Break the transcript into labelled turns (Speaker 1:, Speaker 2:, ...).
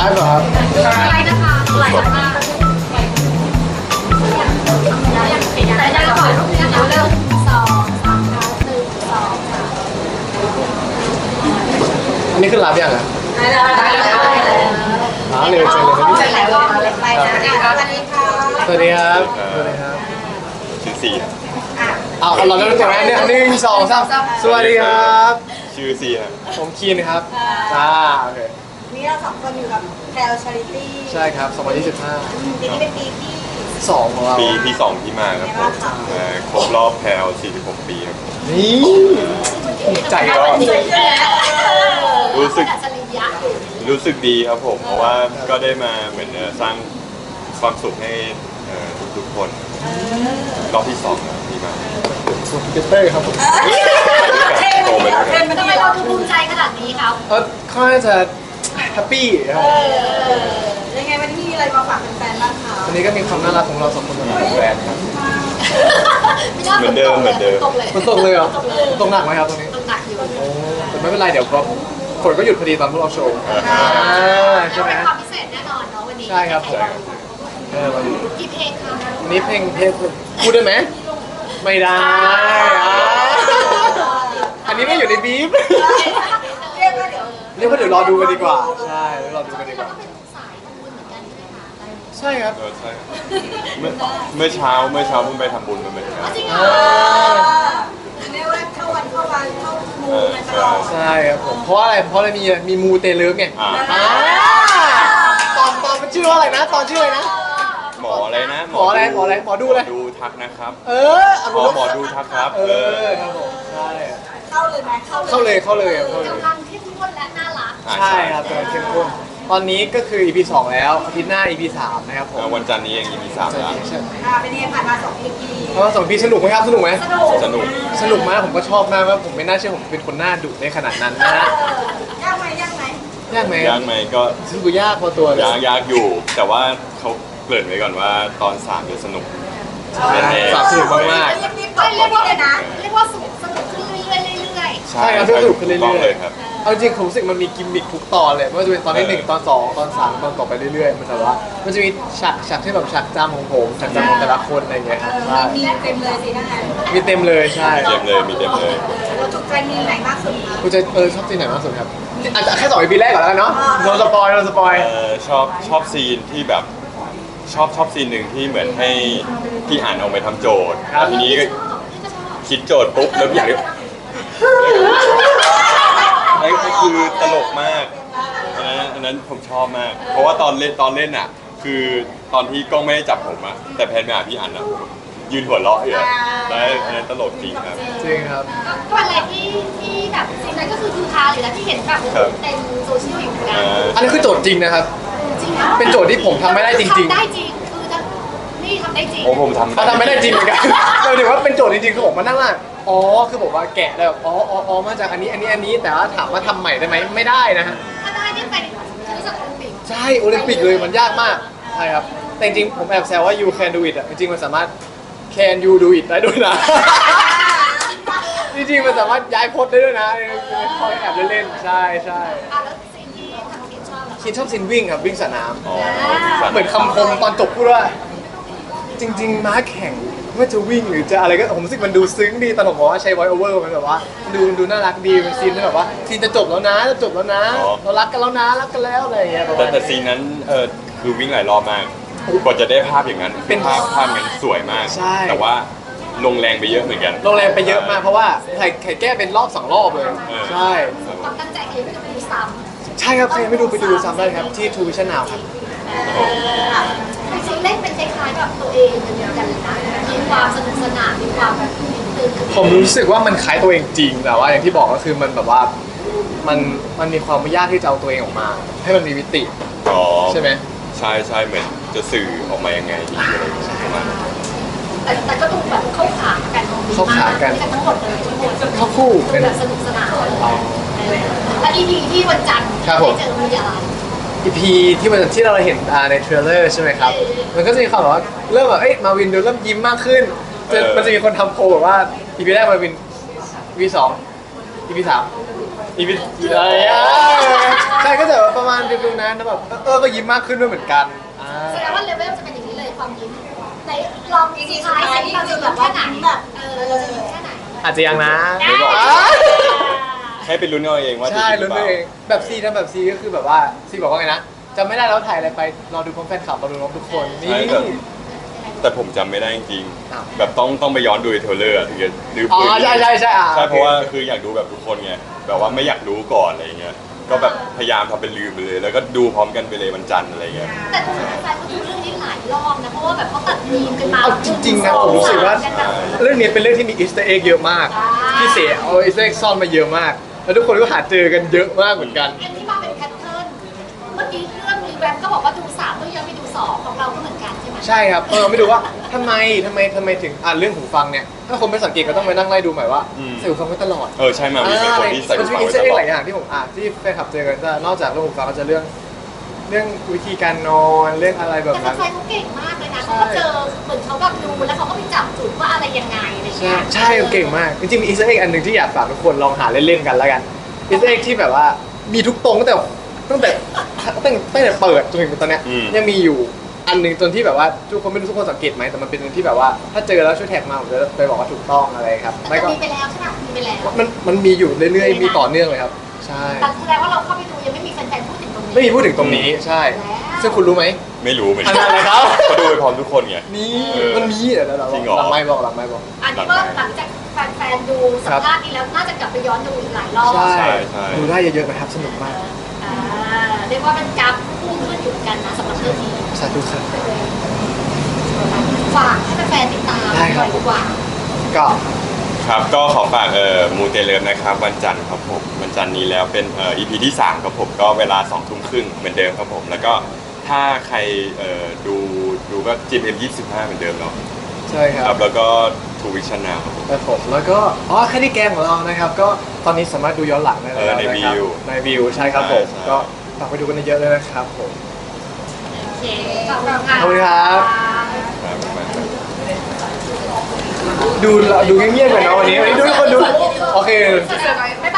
Speaker 1: ฟ์เหรอครับ
Speaker 2: อะไรนะคะหลายมากแต่ได้ก่อนนะคะเริ่ม2 3 1 2
Speaker 1: อันนี้ขึ้นไลฟ์ยังอ่ะ
Speaker 2: 3ได้
Speaker 1: เร็วจังเลยนะพี่
Speaker 2: เสร็จแล้วไปนะสวัสดีค่ะ
Speaker 1: สวัสดีครับสวัสดีครับ
Speaker 3: ชื่อซี
Speaker 1: เอาเราเริ่มจากนั้นเนี่ย1 2 3สวัสดีครับ
Speaker 3: ชื่อซีครับ
Speaker 1: ผมคีนครับโอเค
Speaker 4: นี่เรา2 คนอยู่กับแพลชาริตี้
Speaker 1: ใช่ครับ2025
Speaker 4: ปีนี้เป็นปีที่
Speaker 1: 2ของเรา
Speaker 3: ปีที่ 2ที่มาครับผมครบรอบแพลว46 ปีครับ
Speaker 1: นี่ใจก็
Speaker 3: รู้สึก
Speaker 2: อัจฉริยะอยู่
Speaker 3: รู้สึกดีครับผม เพราะว่าก็ได้มาเหมือนสร้างความสุขให้ทุกๆคนรอบที่2แล้วที่มา
Speaker 1: สุดเกเตอร์ครับผม
Speaker 3: โตไปด้วยกัน
Speaker 2: ทำไมเราดูภูมิใจขนาดนี้ครับ
Speaker 1: ค่อนข้างจะแฮปปี้ครับ
Speaker 4: ยังไงวันนี้มีอะไรมาฝากแฟนๆบ้างคะ
Speaker 1: อันนี้ก็มีความน่ารักของเรา2 คนมาจากแบรนด์ครับ
Speaker 3: เหมือนเดิม
Speaker 2: ตกเลย
Speaker 1: มันตกเลยเหรอตกหนักไหมครับตรงนี้
Speaker 2: ตกหนักอยู่
Speaker 1: โอ้แต่ไม่เป็นไรเดี๋ยวก็ฝนก็หยุดพอดีตอนพวกเราโชว์ใช่ไหม
Speaker 2: เป็นความพิเศษแน่นอนเนาะวันนี้
Speaker 1: ใช่ครับผมวันนี้
Speaker 2: กี่เพลงคะ
Speaker 1: วันนี้เพลงพูดได้ไหมไม่ได้อันนี้ไม่อยู่ในบีฟ
Speaker 4: เรียกว่าเดี๋ยว
Speaker 1: เรียกว่าเดี๋ยวรอดูกันดีกว่าใช่รอดูกันดีก
Speaker 2: เรา
Speaker 1: ว่า
Speaker 2: ก็เป็นสายทำบุญเหมือนกันใช่ไหมคะ
Speaker 1: ใช่ครับ
Speaker 3: ใช่เมื่อเช้าเพิ่งไปทำบุญมาเหมือนกัน
Speaker 2: จริงเหรอ
Speaker 4: เรียกว่าเข้าวันเข้ามูกันตลอด
Speaker 1: ใช่ครับผมเพราะอะไรมีมูเตเลิฟไงตอนมันชื่อว่าอะไรนะตอนชื่ออะไรนะ
Speaker 3: หมออะไรนะ
Speaker 1: หมออะไรหมอดูอะไร
Speaker 3: ดูทักนะครับ
Speaker 1: หมอ
Speaker 3: ดูทักครับ
Speaker 1: ครับผมใช่
Speaker 4: เข้าเลยไหม
Speaker 1: เข้าเลยครับเข้าเลย
Speaker 2: กำลังเข้มข้นและน่ารัก
Speaker 1: ใช่ครับกำลังเข้มข้นตอนนี้ก็คือ EP 2 แล้วอาทิตย์หน้า EP 3 นะครับผม
Speaker 3: วันจันทร์นี้เองมี3แล้ว
Speaker 4: เป็นยังไงผ่านมา2 EP
Speaker 1: เพราะว่า2 EP สนุกไหมครับสนุกไหม
Speaker 3: สนุก
Speaker 1: สนุกมากผมก็ชอบมากว่าผมไม่น่าเชื่อผมเป็นคนหน้าดุได้ขนาดนั้นนะฮะ
Speaker 4: ยากไหม
Speaker 1: ยากไหม
Speaker 3: ยากไหมก็
Speaker 1: รู้สึกยากพอตัวเลย
Speaker 3: ยากอยู่ แต่ว่าเขาเกริ่นไว้ก่อนว่าตอน3จะสนุกแน่ๆ
Speaker 1: สนุกมาก
Speaker 4: รีบๆบอกคนนี้เลยนะ
Speaker 2: เรียกว่าสนุกขึ้นเรื่อยๆ
Speaker 1: ใช่ครับสนุกขึ้นเรื่อยๆ
Speaker 3: ถูกต้องเลยครับ
Speaker 1: ๆเอาจริงๆผมรู้สึกมันมีกิมมิคทุกตอนเลยไม่ว่าจะเป็นตอนที่1ตอน2ตอน3ตอนต่อไปเรื่อยๆมันแบบว่ามันจะมีฉากที่แบบฉากจำของผมฉากจำของแต่ละคนอะไรอย่างเงี้ยครับใช่
Speaker 4: มีเต็มเลยสิทั้งนั้น
Speaker 1: มีเต็มเลยใช่
Speaker 3: มีเต็มเลย
Speaker 4: เราถูกใจมีไหนมากสุดคะ
Speaker 1: คุณจะชอบซีนไหนมากสุดครับอาจจะแค่2 EP แรกก่อนแล้วกันเนาะโดนสปอย
Speaker 3: ชอบซีนที่แบบชอบซีนหนึ่งที่เหมือนให้พี่อ่านออกไปทำโจทย์แล้วทีนี้ก็คิดโจทย์ปุ๊บแล้วอย่างนี้นั่นก็คือตลกมากอันนั้นผมชอบมาก เพราะว่าตอนเล่นอ่ะ คือตอนที่กล้องไม่ได้จับผมอะแต่แพนไปหาพี่อ่านอะยืนหัวเราะอยู่อะแล้วอันนั้นตลกจริงครับ
Speaker 1: จริงครับ
Speaker 2: ก็อะไรที่แบบสิ่งนั้นก็คือคือคาหรือที่เห็นแบบเต็มโซเชียลอยู่เหมือนกัน
Speaker 1: อันนี้คือโจทย์จริงนะครับ
Speaker 2: จริงนะ
Speaker 1: เป็นโจทย์ที่ผมทำไม่ได้จริงๆ
Speaker 2: ทำได้จริงคือนี่ทำได้จริง
Speaker 3: โอ้ผมทำ
Speaker 1: เขาทำไม่ได้จริงเหมือนกันเราถือว่าเป็นโจทย์จริงๆคือผมมานั่งว่าคือผมว่าแกะแล้วมาจากอันนี้แต่ว่าถามว่าทำใหม่ได้ไหมไม่ได้นะฮะ
Speaker 2: ถ้าได้นี่ไปรู้สึกโอลิมปิก
Speaker 1: ใช่โอลิมปิกเลยมันยากมากใช่ครับแต่จริงๆผมแอบแซวว่า you can do it อ่ะจริงๆมันสามารถ can you do it ได้ด้วยนะ จริงๆมันสามารถย้ายพจน์ได้ด้วยนะคอยแอบเล่นๆใช่
Speaker 2: อ่ะแล้วสิ่งที่ทางทีมชอบเหรอ
Speaker 1: คินชอบซินวิ่งครับวิ่งสนาม
Speaker 3: อ๋อ
Speaker 1: เหมือนคำคมตอนจบพูดว่า จริง ๆ ม้าแข่งว่าจะวิ่งหรือจะอะไรก็ผมรู้สึกมันดูซึ้งดีตอนผมบอกว่าใช้ voice over มันแบบว่าดูน่ารักดีเป็นซีนที่แบบว่าซีนจะจบแล้วนะเรารักกันแล้วนะรักกันแล้วอะไรอย่างเงี้ยประมาณ
Speaker 3: แต่ซีนนั้นคือวิ่งหลายรอบมากกว่าจะได้ภาพอย่างนั้นเป็นภาพงั้นสวยมาก
Speaker 1: ใช่
Speaker 3: แต่ว่าลงแรงไปเยอะเหมือนกัน
Speaker 1: โรงแรมไปเยอะมากเพราะว่าไข่แก้เป็นรอบ2 รอบเลย ใช่
Speaker 2: ความตั้งใจคือจะดูซ้
Speaker 1: ใช่ครับใครยังไม่ดูไปดูซ้ำได้ครับที่ True Vision Now ครับ
Speaker 2: ำจริงๆเล่นเป็นคล้ายๆแบบตัวเองเหมือนกันเลยนะมีความสนุกสนานมีความแบบตื่นเต้น
Speaker 1: ผมรู้สึกว่ามันคล้ายตัวเองจริงแต่ว่าอย่างที่บอกก็คือมันแบบว่ามันมีความยากที่จะเอาตัวเองออกมา ให้มันมีมิติ
Speaker 3: อ๋อ
Speaker 1: ใช่ไหม
Speaker 3: ใช่เหมือนจะสื่อออกมายังไงดีอะไรอย่างเงี้ยประมาณนั้น
Speaker 2: แต่ก็ดูแบบเข้าขากัน
Speaker 1: เข้าขากัน
Speaker 2: ทั้งหมดเลยทั้งหมด
Speaker 1: เข้าคู่
Speaker 2: ดู
Speaker 1: เป็น
Speaker 2: แบบสนุกสนานและ EP ที่วันจันทร์
Speaker 1: ครับผม
Speaker 2: ได้เจอมีอะไร
Speaker 1: EP ที่เราเห็นในเทรลเลอร์ใช่ไหมครับ มันก็จะมีความแบบว่าเริ่มแบบมาวินดูเริ่มยิ้มมากขึ้นมันจะมีคนทำโพลแบบว่า EP แรกมาวิน EP 2 EP 3 EP อะไรช่ก็จะประมาณดูนั้นแล้วแบบก็ยิ้มมากขึ้นด้วยเหมือนกัน
Speaker 2: แสดงว่าเลเวลจะเป็นอย่างนี้เลยความยิ้มในลองซีท้ายสิเราจะแบบว่าไหนแบบเราจะยิ้มแค่ไหน
Speaker 1: อาจจะยังนะ
Speaker 3: ไม่บอกให้ไปลุ้นเอาเองว่าจะ
Speaker 1: ใช่
Speaker 3: จริงห
Speaker 1: ลุ้
Speaker 3: รื
Speaker 1: น
Speaker 3: อเป
Speaker 1: ตัว
Speaker 3: ล่า
Speaker 1: เองแบบซีทำแบบซีก็คือแบบว่าซีบอกว่าไงนะจำไม่ได้แล้วถ่ายอะไรไปรอดูพร้อมแฟนคลับรอดูพร้อมทุกคนนี่
Speaker 3: ใช่แต่ผมจำไม่ได้จริง
Speaker 1: อ้าว
Speaker 3: ๆแบบต้องไปย้อนดูในเทรลเลอร์ถึงจะนึก
Speaker 1: อ๋อ
Speaker 3: ปืน
Speaker 1: ใช่ใช่
Speaker 3: ใช่เพราะว่าคืออยากดูแบบทุกคนไงแบบว่าไม่อยากรู้ก่อนอะไรเงี้ยก็แบบพยายามทำเป็นลืมไปเลย แล้วก็ดูพร้อมกันไปเลยวันจันทร์อะไรเงี้ย
Speaker 2: แต่คุณแฟนเขาดูเรื่องนี้หลายรอบนะเพราะว่าแบบเขาตัดมีมกันมา
Speaker 1: เอาจริงๆนะผมรู้สึกว่าเรื่องนี้เป็นเรื่องที่มีอีสเตอร์เอ็กเยอะมากพี่เสียเอาอีสเตอร์เอ็กซ่อนมาเยอะมาก แล้วทุกคนก็หาเจอกันเยอะมากเหมือนกัน
Speaker 2: อันนี้มาเป็นแพทเทิร์นเมื่อกี้เรื่องรีแวมก็บอกว่าดู3ต้องย้อนไปดู2ของเราก็เหมือนกันใช่ไหม
Speaker 1: ใช่ครับไม่ดูว่าทำไมถึงเรื่องหูฟังเนี่ยถ้าคนไปสังเกตก็ต้องไปนั่งไล่ดูใหม่ว่าใส่หูฟังไว้ตลอด
Speaker 3: ใช่มามีเป็นคนที่ใส่
Speaker 1: มั
Speaker 3: หู
Speaker 1: นจะ
Speaker 3: ฟั
Speaker 1: มี
Speaker 3: ง
Speaker 1: อิน
Speaker 3: ไว้ ตลอ
Speaker 1: เตอร์เอ็กห
Speaker 3: ด
Speaker 1: ลายอย่างที่ผมที่แฟนคลับเจอกันจะนอกจากเรื่องหูฟังก็จะเรื่องวิธีการนอนเรื่องอะไรแบบ
Speaker 2: แต่
Speaker 1: นั้น
Speaker 2: แฟนเขาเก่งมากเลยนะเขาก็เจอเหมือนเขาแบบดูแล้วเขาก็ไปจับจุดว่าอะไรยังไงอะไร
Speaker 1: ใช่
Speaker 2: เงี้ย
Speaker 1: ใช่เก่งมากจริงๆมีอีสเตอร์เอ็กอันหนึ่งที่อยากฝากทุกคนลองหาเล่นๆกันแล้วกันอีสเตอร์เอ็กที่แบบว่ามีทุกตรงตั้งแต่เปิดจนถึงตอนเนี้ยยังมีอยู่อันหนึ่งจนที่แบบว่าทุกคนไม่รู้ทุกคนสังเกตไหมแต่มันเป็นอันที่แบบว่าถ้าเจอแล้วช่วยแท็กมาผมจะไปบอกว่าถูกต้องอะไรครับ
Speaker 2: แต่
Speaker 1: ไม่ก็
Speaker 2: มีไปแล้วใช่ไหมมีไปแล้ว
Speaker 1: มันมีอยู่เรื่อยๆมีต่อเนื่องเลยครับใช่
Speaker 2: แต่แสดงว่าเราเข้าไปดูยังไม่มีแฟนๆพูดถึงตรงนี้
Speaker 1: ไม่มีพูดถึงตรงนี้ใช่ ซึ่งคุณรู้ไหม
Speaker 3: ไม่รู้เหมือน
Speaker 1: อั
Speaker 3: กัน น
Speaker 1: นั้นนะครับ
Speaker 3: ก็ดูไปพร้อมทุกคนไง
Speaker 1: นี่
Speaker 3: เออ
Speaker 1: มันมีเดี๋ยวเรา
Speaker 3: จริงเหรอ
Speaker 1: หลังไม่บอก
Speaker 2: อันนี้ว่าหลังจากแฟนๆดูสัมภาษณ์นี้แล้วน่าจะกลับไปย้อนดูอีกหลายรอบ
Speaker 1: ใช่
Speaker 3: ใช่
Speaker 1: ดูได้เยอะๆนะครับสนุกมาก
Speaker 2: อ่าเรียกว่าเป็นกราฟพุ่งขึ้นอยู่เหมือนกันนะสำหรับเรื่องนี้
Speaker 1: สาธุครับ
Speaker 2: ฝากให้แฟนๆติดตามห
Speaker 1: ได้
Speaker 2: น่
Speaker 1: ครั
Speaker 2: อบ ยดีกว่า
Speaker 1: ก็
Speaker 3: ครับก็ขอฝากมูเตเลิฟนะครับวันจันทร์ครับผมวันจันทร์นี้แล้วเป็นEP ที่3ครับผมก็เวลา2 ทุ่มครึ่งเหมือนเดิมครับผมแล้วก็ถ้าใครดูก็ GMM25 เหมือนเดิมเนาะ
Speaker 1: ใช่ค
Speaker 3: ค
Speaker 1: รั
Speaker 3: รั
Speaker 1: บบ
Speaker 3: แล้วก็ทูวิชั่นนาวครับผม
Speaker 1: แล้วผมแล้วก็แค่ที่แกงของเรานะครับ ก็ตอนนี้สามารถดูย้อนหลังได้แล้ว
Speaker 3: ใน
Speaker 1: นะครับ
Speaker 3: วิว
Speaker 1: ในวิวใช่ครับผม
Speaker 3: ใช่
Speaker 1: ก็ฝากไปดูกันเยอะๆเลยนะครับผม
Speaker 2: โอเคขอบคุณค่ะ
Speaker 1: ขอบคุณครับ
Speaker 3: ครับ
Speaker 1: ดูเงียบๆกันเนาะวันนี้ดูทุกคนดูโอเค
Speaker 2: บ๊ายบาย